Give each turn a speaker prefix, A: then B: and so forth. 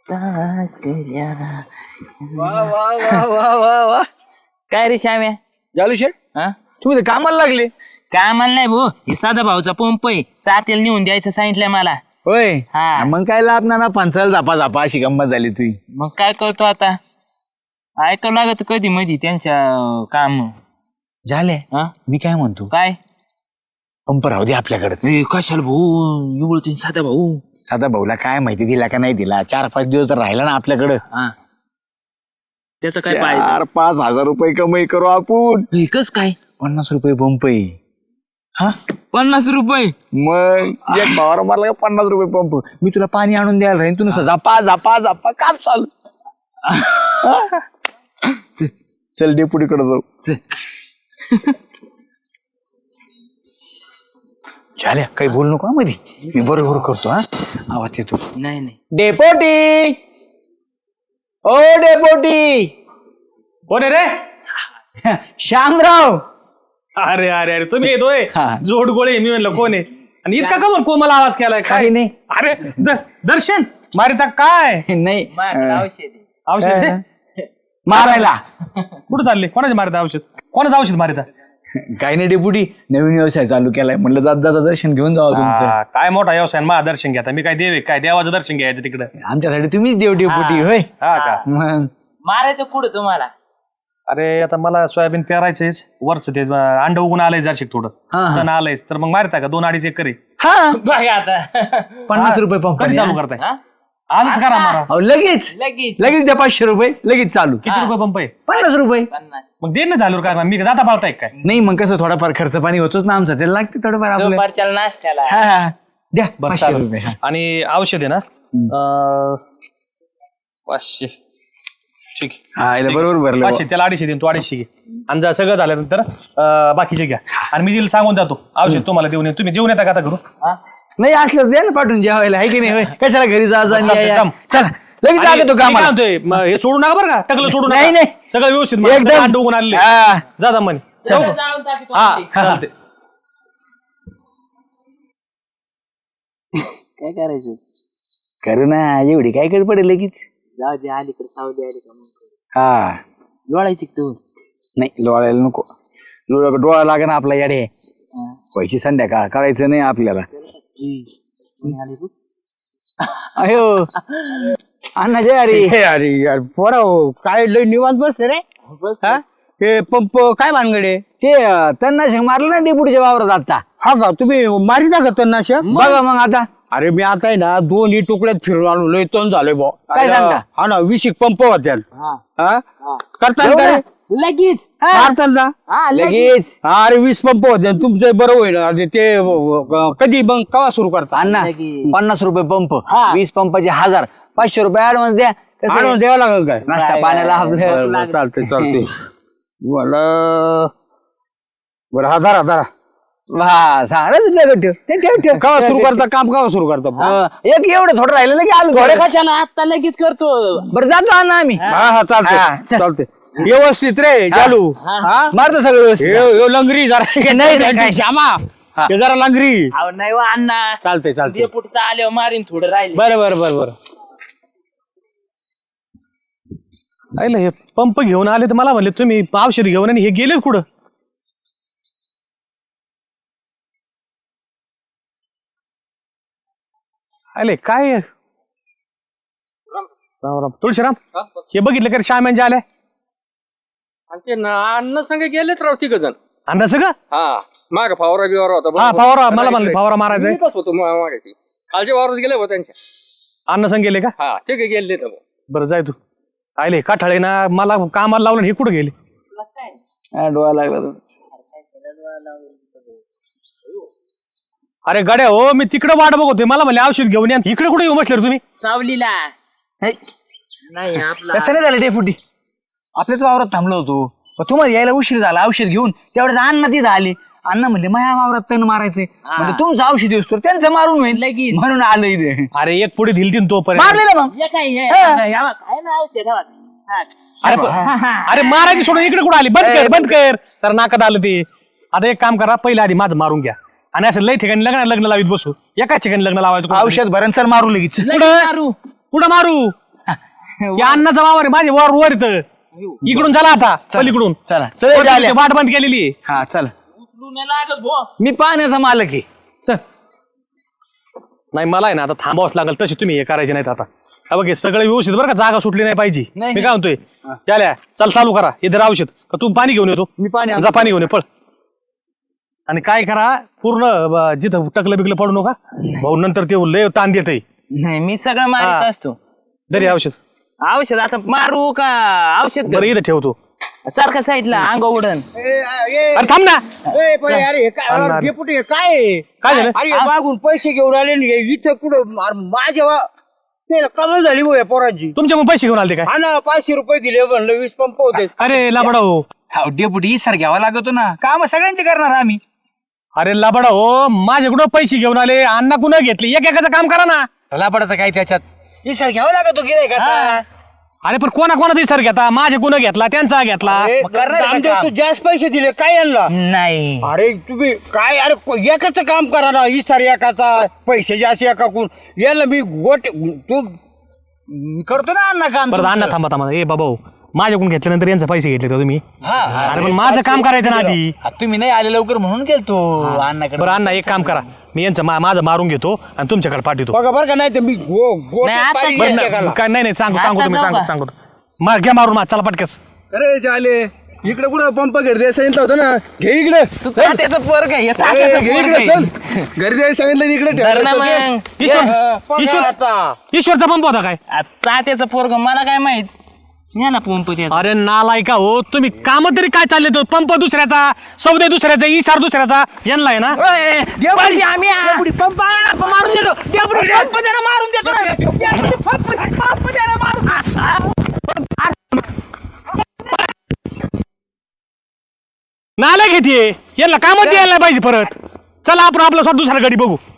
A: वा वा वा वा वा वा. काय रे श्याम्या
B: जालू शेठ
A: हा
B: तुम्ही तर कामाला लागले.
A: कामाला नाही भाऊ, हे साधा भाऊचा पंप आहे, तात्याला नेऊन द्यायचं सांगितलंय मला.
B: होय
A: हा.
B: मग काय लाभ ना पंचाल झापा झापा अशी गंमत झाली तुझी.
A: मग काय करतो आता, ऐकावं लागत कधी मधी त्यांच्या काम.
B: झाले
A: हा
B: मी काय म्हणतो
A: काय
B: पंप राहू दे आपल्याकडे.
A: कशाला भाऊ एवढं साधा भाऊ.
B: साधा भाऊला काय माहिती दिला का नाही दिला, 4-5 दिवस राहिला ना आपल्याकडं.
A: हा त्याचं काय पाहिजे
B: 4-5 हजार रुपये कमाई करू आपण.
A: कस काय
B: 50 रुपये पंप आहे.
A: हा 50 रुपये.
B: मग एक भावाला मारला का 50 रुपये पंप. मी तुला पाणी आणून द्यायला राहीन, तू नुसतं झापा झापा झापा काम चालू. चल डेपुटीकडे जाऊ. झाल्या काही बोल नको हा मध्ये, मी बरोबर करतो. हा आवाज येतो.
A: नाही नाही
B: डेपोटी, ओ डेपोटी.
C: कोण आहे रे?
B: श्यामराव.
C: अरे अरे अरे तुम्ही येतोय
B: हा.
C: जोड गोळे. मी म्हणलं कोण आहे आणि इतका का बरं कोमल आवाज केलाय काय?
B: काही नाही.
C: अरे दर्शन मारिता काय
B: नाही
A: माझ्याकडे औषध आहे.
C: औषध आहे?
B: मारायला
C: कुठं चालले? कोणाचे मारिता औषध? कोणाचं औषध मारिता?
B: काही नाही डेपुटी, नवीन व्यवसाय चालू केलाय, म्हणलं जात जाता दर्शन घेऊन जावं तुमचं.
C: हा, काय मोठा व्यवसाय मा दर्शन घ्या. मी काय देव आहे काय? देवाचं दर्शन घ्यायचं तिकडं.
B: आमच्यासाठी तुम्हीच देव डेपुटी. होय
C: हा का?
B: मग
A: मारायचं कुठं तुम्हाला?
C: अरे आता मला सोयाबीन पेरायचंच, वरच ते अंड उगून आलंय जरशी थोडं तण आलंयच, तर मग मारता का 2-2.5 एकर आहे.
B: हा
A: बघा आता
B: 50 रुपये पंप.
C: कधी चालू करताय?
A: हा?
C: आजच करा मारा.
B: अहो, लगेच
A: लगेच
B: लगेच द्या 500 रुपये, लगेच चालू.
C: किती रुपये पंप आहे?
B: 50 रुपये.
A: 50.
C: मग दे ना झालं काय? मी जाता पाळताय काय?
B: नाही मग कसं थोडाफार खर्च पाणी होतोच ना आमचा, त्याला लागते थोडंफार आपलं.
A: दुपारच्या नाश्त्याला.
B: हा हा द्या
C: बरं
B: 500
C: चालेल.
B: रुपये. हा.
C: आणि औषध आहे ना 500. ठीक आहे.
B: हा याला बरोबर भरलं.
C: 500 त्याला 250 देईन, तू 250 घे. आणि जर सगळं झाल्यानंतर बाकीचे घ्या. आणि मी तिला सांगून जातो औषध तुम्हाला देऊन येईन. तुम्ही जेवण येता का आता करू?
A: हा?
B: नाही असलं द्या ना पाठवून जेवायला, आहे की नाही? होय कशाला घरी जा जा आणि या, या.
C: थांब.
B: चला लगेच
C: आणि
B: जागे तो
C: मी काय
B: कामाला.
C: म्हणतोय, हे सोडू नका बरं का? टकलं सोडू नका.
B: नाही, नाही.
C: सगळं व्यवस्थित
B: एकदम.
C: अंड उगून आलेले.
B: हा.
C: जा म्हणे.
A: सगळं जाळून टाकीतो
C: हा
A: आम्ही.
C: चालते.
A: काय करायचं?
B: करू ना, एवढी काय कड पडेल लगेच.
A: जाऊ दे, अलीकडे सावली आली का मग
B: हा
A: लोळायची तू.
B: नाही लोळायला नको, डोळा लागे ना आपला याडे. पैसे संध्याकाळ करायचं नाही आपल्याला. अयो अण्णा जय अरे.
D: अरे यार पोरा काय लय निवांत बसले रे. हा? हे पंप काय भानगडे?
B: ते तन्नाशक मारलं ना डेपुटीच्या वावरात आता.
D: हा का तुम्ही मारीचा का तणनाशक?
B: बघा मग आता
D: अरे मी आता आहे ना 2 तुकड्यात फिरून आलो, लय तण झालोय भाऊ.
B: काय सांगता?
D: हा ना 20 पंप होत्या. हा करतात का रे?
A: लगेच
D: मारतात ना?
A: हा लगेच.
B: लगेच
D: हा अरे 20 पंप होते तुमचं बरं होईल. अरे ते कधी मग केव्हा सुरू करता?
B: अण्णा
A: लगेच.
B: 50 रुपये पंप,
A: हा.
B: 20 पंपाचे 1000, 500 रुपये ऍडव्हान्स द्या. कसं आहे?
D: आणून द्यावं लागेल काय?
B: नाश्ता पाण्याला आपलं.
D: बरं, चालतंय चालतंय. मला बरं हा धरा
B: हा सारं ठेव ठेव ठेव ठेव.
D: केव्हा सुरू करता काम? केव्हा सुरू करता?
B: एक एवढं थोडं राहिलं ना की आलो
A: थोडे
B: थोडं.
A: कशाला आता लगेच करतो.
B: बरं जातो अण्णा आम्ही.
D: हा चालतंय
B: हा, चल.
D: चालतंय. व्यवस्थित रे चालू. हा
B: मारतो सगळं व्यवस्थित.
D: यो लंगरी जरा
B: नाही, नाही.
D: श्यामा
B: हा.
D: हे जरा लंगरी.
A: अहो नाही वा अण्णा,
D: चालतंय चालतंय.
A: पुढचं आल्यावर मारीन थोडं राहील.
D: बरं
C: ऐकलं हे पंप घेऊन आले तर मला म्हणले तुम्ही औषध घेऊन आणि हे गेले कुठं? आले काय? राम राम. तुळशीराम हे बघितलं का रे श्यामांचे आले?
E: ते अन्न संघ गेलेच राव तिघ जण.
C: अंडा सगळं.
E: हा माग फावरा बिवारा होता
C: हा
E: बरोबर.
C: फवारा मला म्हणले फवारा मारायचंय.
E: मी बस होतो मागे ती कालच्या वावरात गेले होते त्यांच्या.
C: अन्न संग गेले का?
E: हा ते गेले तर
C: बरं जाय तू. आले काठाळे ना मला कामाला लावलं आणि हे कुठं गेले?
B: हा, डोळा लागला तर.
C: अरे गड्या हो, मी तिकडे वाट बघतोय, मला म्हणले औषध घेऊन या. इकडे कुठे येऊ बसले रे तुम्ही?
A: सावलीला
B: हे,
A: नाही आपला
B: तसं नाही झालं डेपुटी, आपल्याच वावरात थांबलो होतो. पण तुम्हाला यायला उशीर झाला औषध घेऊन. तेवढ्याच अण्णा तिथं आले. अण्णा म्हणले माझ्या वावरात तण मारायचंय. म्हणजे तुमचं औषध असतो त्यांचं मारून होईल
A: लगेच.
B: म्हणून आलं इथे.
C: अरे एक पुढे दिलती न तोपर्यंत.
B: मारले ना मग.
A: हे काय हे?
B: हा.
A: हे बघ, आहे ना औषध, हे बघ. हा.
C: अरे अरे मारायची सोडून इकडे कुठे आली? बंद कर तर नाकात आलं ते. आता एक काम करा, पहिले आधी माझं मारून घ्या आणि असं लय ठिकाणी लग्न लावित बसू. एकाच ठिकाणी लग्न लावायचं.
B: औषध भरण चल मारू लगेच.
A: लगेच मारू.
C: कुठं मारू? या अन्नाचा वावर आहे, माझे वर वर येतं इकडून चला आता पलीकडून
B: चला चल
C: वरती वाट बंद केलेली आहे.
B: हा चला
A: उचलू नाही लागत भो.
B: मी पाण्याचा मालक आहे चल.
C: नाही मला आहे ना आता थांबावंच लागेल तशी तुम्ही हे करायचे नाहीत आता हा बघ हे सगळं व्यवस्थित बरं का जागा सुटली नाही पाहिजे
B: नाही,
C: मी काय म्हणतोय चाल्या चल चालू करा इथे औषध का तू पाणी घेऊन येतो
B: मी पाणी
C: जा पाणी घेऊन ये पळ आणि काय करा पूर्ण जिथं टकलं बिकलं पडू नका भाऊ नंतर ते लय ताण देत
A: नाही मी सगळं मारित असतो.
C: दरी औषध
A: औषध आता मारू का औषध
C: बरं इथं ठेवतो
A: सारखा साईडला अंग उडन.
C: अरे थांब ना
D: अरे हे काय
C: अण्णा.
D: अरे, डेपुटी, हे काय आहे?
C: काय झालं
D: अरे हे मागून पैसे घेऊन आले ना, हे इथं कुठं अरे, माझ्या ते कमाल झाली भाऊ या पोरांची.
C: तुमच्या मग पैसे घेऊन आले काय
D: हा ना 500 रुपये दिले म्हणलं 20 पंप होते.
C: अरे लाबडा हो
B: हा डेपुटी सर घ्यावा लागतो ना काम सगळ्यांचे करणार आम्ही.
C: अरे लाबडा हो माझ्याकडून पैसे घेऊन आले अण्णा कुणा घेतले एक एकाचं काम करा ना
B: लापडाचं काय त्याच्यात सर घ्यावा लागतो गिराय का
C: अरे पण कोणा कोणा सर घेता माझे कुणा घेतला त्यांचा घेतला
D: अरे,
B: करणार का
D: नामदेव,
B: काम?
D: तू जास्त पैसे दिले काय यांना?
A: नाही
D: अरे तुम्ही काय अरे एकाच काम करा ना इसार एकाचा पैसे जास्त एकाकून याला मी गोट तू
B: करतो ना अण्णा काम
C: परत अण्णा
B: तुमचं.
C: थांबा थांबा ए बाबा हो, माझ्याकडून घेतल्यानंतर यांचे पैसे घेतले का तुम्ही
B: हा, हा.
C: अरे पण माझं काम करायचं ना आधी
B: हा, तुम्ही नाही आले लवकर म्हणून गेलतो अण्णाकडे.
C: बरं अण्णा एक काम करा मी यांचं माझं मारून घेतो आणि तुमच्याकडे पाठवतो
D: बघा बरं का नाही तर मी गोट
A: नाही, आता
D: पाहिजे
A: बरं,
D: एकाला.
C: काय नाही नाही सांगू
A: आता
C: सांगू तुम्ही
A: जाऊ
C: सांगू
A: का?
C: सांगू घ्या मारून चला पटकस
E: अरे झाले इकडे कुठं पंप घरी द्यायला सांगितलं होतं ना घे इकडे
A: तू त्याचं पोरग आहे, हे
E: ए,
A: तात्याचं
E: घे
A: पोरग
E: इकडे
A: आहे.
E: चल घरी द्यायला सांगितलं आणि इकडे
A: धर ना
E: ठेवायचं.
A: मग
C: ईश्वर ईश्वर
D: आता
C: ईश्वरचा पंप होता काय
A: तात्याचं पोरग मला काय माहित. या ना पंप त्याचा.
C: अरे नालायका हो तुम्ही काम तरी काय चालले तो पंप दुसऱ्याचा सौदे दुसऱ्याचा इसार दुसऱ्याचा यांना आहे ना
A: ओय, पैसे आम्ही
B: डेपुटी, पंप आणा, पंप मारून देतो डेपुटी, पंप द्या ना, मारून देतो ना. डेपुटी, पंप द्या ना, मारून.
C: नालायक घेते यांना कामच द्यायला नाही पाहिजे परत चला आपण आपला स्वतः दुसऱ्या गाडी बघू